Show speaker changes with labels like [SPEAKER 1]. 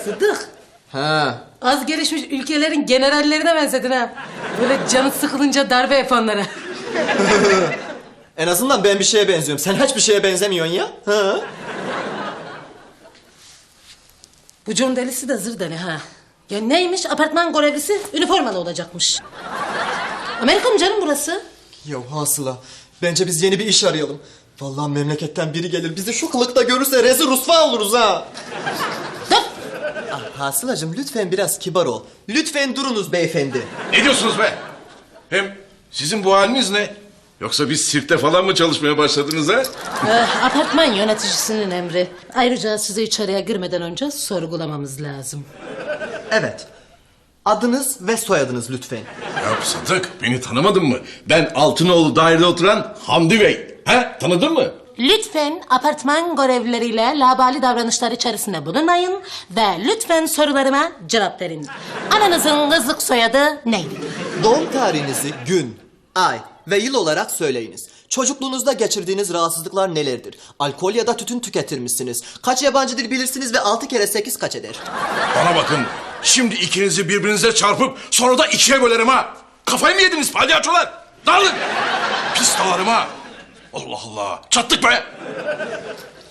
[SPEAKER 1] Sıddık.
[SPEAKER 2] Ha.
[SPEAKER 1] Az gelişmiş ülkelerin generallerine benzedin ha. Böyle canı sıkılınca darbe yapanlara.
[SPEAKER 2] En azından ben bir şeye benziyorum. Sen hiçbir şeye benzemiyorsun ya. Ha?
[SPEAKER 1] Bu John delisi de zır deli ha. Ya neymiş, apartman görevlisi üniformalı olacakmış. Amerika mı canım burası?
[SPEAKER 2] Ya hasıla. Bence biz yeni bir iş arayalım. Vallahi memleketten biri gelir bizi şu kılıkta görürse rezil rusva oluruz ha.
[SPEAKER 1] Dur.
[SPEAKER 2] Hasılacığım lütfen biraz kibar ol. Lütfen durunuz beyefendi.
[SPEAKER 3] Ne diyorsunuz be? Hem sizin bu haliniz ne? Yoksa biz sirkte falan mı çalışmaya başladınız ha?
[SPEAKER 1] Apartman yöneticisinin emri. Ayrıca sizi içeriye girmeden önce sorgulamamız lazım.
[SPEAKER 2] Evet. Adınız ve soyadınız lütfen.
[SPEAKER 3] Ya Sadık, beni tanımadın mı? Ben Altınoğlu dairede oturan Hamdi Bey. Ha? Tanıdın mı?
[SPEAKER 1] Lütfen apartman görevlileriyle labali davranışlar içerisinde bulunmayın ve lütfen sorularıma cevap verin. Ananızın kızlık soyadı neydi?
[SPEAKER 2] Doğum tarihinizi gün, ay ve yıl olarak söyleyiniz. Çocukluğunuzda geçirdiğiniz rahatsızlıklar nelerdir? Alkol ya da tütün tüketir misiniz? Kaç yabancı dil bilirsiniz ve 6 kere 8 kaç eder?
[SPEAKER 3] Bana bakın. Şimdi ikinizi birbirinize çarpıp sonra da ikiye bölerim ha. Kafayı mı yediniz palyaçolar? Dağılın. Pis dalarım ha. Allah Allah. Çattık be.